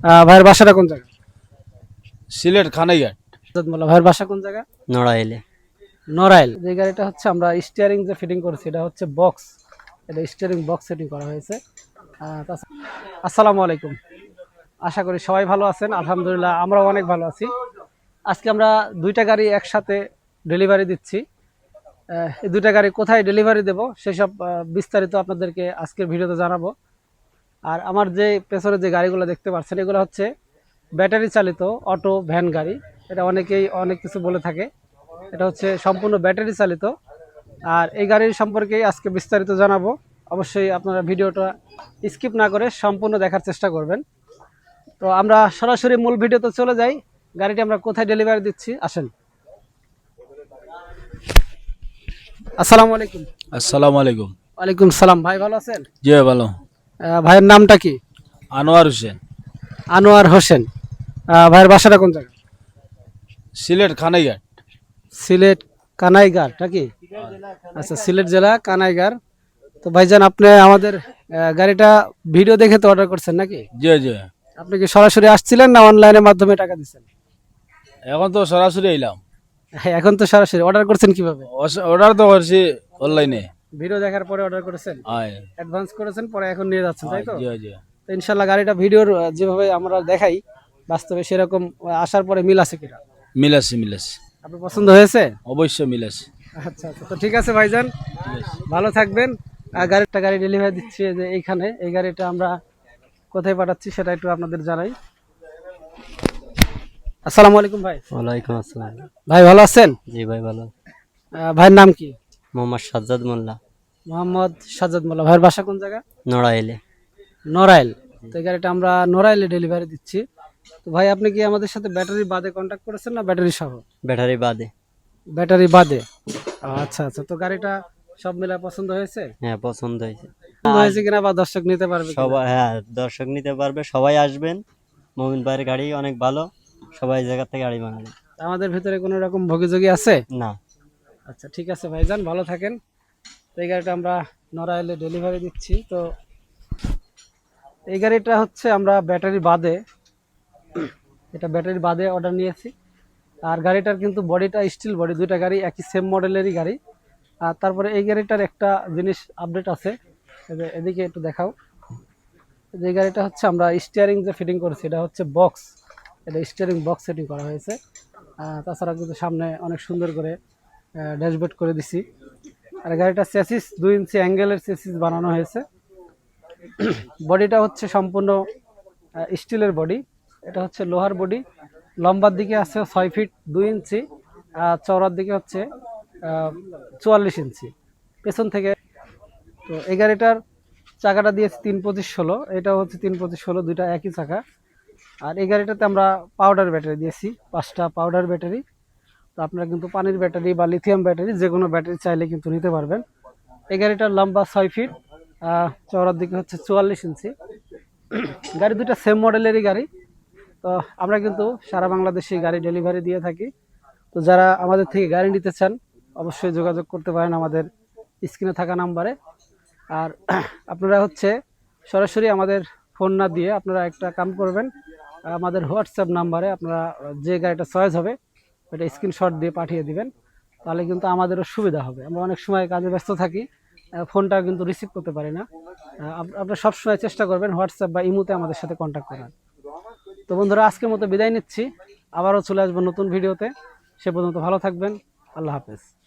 ভাইয়ের বাসাটা কোন জায়গা? সিলেট খানাইঘাট। মোল্লা ভাইয়ের বাসা কোন জায়গা? নড়াইলে। নড়াইল। যে গাড়িটা হচ্ছে আমরা স্টিয়ারিং যে ফিটিং করেছি, এটা হচ্ছে বক্স, এটা স্টিয়ারিং বক্স সেটিং করা হয়েছে। আসসালামু আলাইকুম, আশা করি সবাই ভালো আছেন। আলহামদুলিল্লাহ আমরাও অনেক ভালো আছি। আজকে আমরা দুইটা গাড়ি একসাথে ডেলিভারি দিচ্ছি। এই দুইটা গাড়ি কোথায় ডেলিভারি দেব সেসব বিস্তারিত আপনাদেরকে আজকের ভিডিওতে জানাবো। আর আমার যে পেছনে যে গাড়িগুলো দেখতে পাচ্ছেন, এগুলো হচ্ছে ব্যাটারি চালিত অটো ভ্যান গাড়ি। এটা অনেকেই অনেক কিছু বলে থাকে, এটা হচ্ছে সম্পূর্ণ ব্যাটারি চালিত। আর এই গাড়ির সম্পর্কেই আজকে বিস্তারিত জানাবো। অবশ্যই আপনারা ভিডিওটা স্কিপ না করে সম্পূর্ণ দেখার চেষ্টা করবেন। তো আমরা সরাসরি মূল ভিডিওতে চলে যাই। গাড়িটি আমরা কোথায় ডেলিভারি দিচ্ছি, আসেন। আসসালামু আলাইকুম। আসসালামু আলাইকুম। ওয়ালাইকুম সালাম। ভাই ভালো আছেন? জি ভালো। ভাইয়ের নামটা কি? আনোয়ার হোসেন। আনোয়ার হোসেন। ভাইয়ের বাসাটা কোন জায়গা? সিলেট খানাইঘাট। সিলেট কানাইগার নাকি? আচ্ছা, সিলেট জেলা কানাইগার। তো ভাইজান, আপনি আমাদের গাড়িটা ভিডিও দেখে তো অর্ডার করছেন নাকি? জি জি। আপনি কি সরাসরি আসছিলেন না অনলাইনের মাধ্যমে টাকা দিচ্ছেন? এখন তো সরাসরি এলাম। হ্যাঁ, এখন তো সরাসরি। অর্ডার করছেন কিভাবে? অর্ডার তো করছি অনলাইনে। ভিডিও দেখার পরে অর্ডার করেছেন, আয় অ্যাডভান্স করেছেন, পরে এখন নিয়ে যাচ্ছেন, তাই তো? জি জি। তো ইনশাল্লাহ গাড়িটা ভিডিওর যেভাবে আমরা দেখাই বাস্তবে সেরকম আসার পরে মিল আছে কিনা মিলাছি মিলাছি। আপনার পছন্দ হয়েছে? অবশ্যই মিলাছি। আচ্ছা আচ্ছা, তো ঠিক আছে ভাইজান, ভালো থাকবেন। গাড়িটা গাড়ি ডেলিভারি দিচ্ছি যে এইখানে। এই গাড়িটা আমরা কোথায় পাঠাচ্ছি সেটা একটু আপনাদের জানাই। আসসালামু আলাইকুম ভাই। ওয়ালাইকুম আসসালাম। ভাই ভালো আছেন? জি ভাই ভালো। ভাইয়ের নাম কি? মোহাম্মদ সাজ্জাদ মোল্লা। মোহাম্মদ সাজ্জাদ মোল্লা। ভাইয়ের বাসা কোন জায়গা? নড়াইলে। নড়াইল। তো এই গাড়িটা আমরা নড়াইলে ডেলিভারি দিচ্ছি। তো ভাই, আপনি কি আমাদের সাথে ব্যাটারি বাদে কন্ট্যাক্ট করেছেন না ব্যাটারি সহ? ব্যাটারি বাদে। ব্যাটারি বাদে। আচ্ছা আচ্ছা, তো গাড়িটা সব মিলা পছন্দ হয়েছে? হ্যাঁ পছন্দ হয়েছে। পছন্দ হয়েছে কিনা বা দর্শক নিতে পারবে কিনা? সবাই, হ্যাঁ দর্শক নিতে পারবে, সবাই আসবেন। মোমিন ভাইয়ের গাড়ি অনেক ভালো, সবাই এই জায়গা থেকে গাড়ি বানাবে। আমাদের ভিতরে কোনো রকম ভোগীযোগী আছে? না। আচ্ছা ঠিক আছে ভাইজান, ভালো থাকেন। তো এই গাড়িটা আমরা নড়াইলে ডেলিভারি দিচ্ছি। তো এই গাড়িটা হচ্ছে আমরা ব্যাটারি বাদে, এটা ব্যাটারি বাদে অর্ডার নিয়েছি। আর গাড়িটার কিন্তু বডিটা স্টিল বডি, দুইটা গাড়ি একই সেম মডেলেরই গাড়ি। আর তারপরে এই গাড়িটার একটা জিনিস আপডেট আছে, এদিকে একটু দেখাও। যে গাড়িটা হচ্ছে আমরা স্টিয়ারিং যে ফিটিং করেছি, এটা হচ্ছে বক্স, এটা স্টিয়ারিং বক্স সেটিং করা হয়েছে। তাছাড়া কিন্তু সামনে অনেক সুন্দর করে ড্যাশবোর্ড করে দিছি। আর গাড়িটা চেসিস 2 ইঞ্চি অ্যাঙ্গেলের চেসিস বানানো হয়েছে। বডিটা হচ্ছে সম্পূর্ণ স্টিলের বডি, এটা হচ্ছে লোহার বডি। লম্বার দিকে আছে 6 ফিট 2 ইঞ্চি, চওড়ার দিকে হচ্ছে 44 ইঞ্চি পেছন থেকে। তো এই গাড়িটার চাকাটা দিয়েছি 325/16, এটা হচ্ছে 325/16, দুইটা একই চাকা। আর এই গাড়িটাতে আমরা পাউডার ব্যাটারি দিয়েছি, 5টা পাউডার ব্যাটারি। তো আপনারা কিন্তু পানির ব্যাটারি বা লিথিয়াম ব্যাটারি যে কোনো ব্যাটারি চাইলে কিন্তু নিতে পারবেন। এই গাড়িটার লম্বা 6 ফিট, চওড়ার দিকে হচ্ছে 44 ইঞ্চি। গাড়ি দুটা সেম মডেলেরই গাড়ি। তো আমরা কিন্তু সারা বাংলাদেশে গাড়ি ডেলিভারি দিয়ে থাকি। তো যারা আমাদের থেকে গাড়ি নিতে চান অবশ্যই যোগাযোগ করতে পারেন আমাদের স্ক্রিনে থাকা নাম্বারে। আর আপনারা হচ্ছে সরাসরি আমাদের ফোন না দিয়ে আপনারা একটা কাম করবেন, আমাদের হোয়াটসঅ্যাপ নাম্বারে আপনারা যে গাড়িটা চয়েস হবে ওটা স্ক্রিনশট দিয়ে পাঠিয়ে দিবেন, তাহলে কিন্তু আমাদেরও সুবিধা হবে। আমরা অনেক সময় কাজে ব্যস্ত থাকি, ফোনটা কিন্তু রিসিভ করতে পারি না। আপনারা সবসময় চেষ্টা করবেন হোয়াটসঅ্যাপ বা ইমোতে আমাদের সাথে কন্ট্যাক্ট করার। তো বন্ধুরা, আজকের মতো বিদায় নিচ্ছি, আবারও চলে আসবো নতুন ভিডিওতে। সে পর্যন্ত ভালো থাকবেন, আল্লাহ হাফেজ।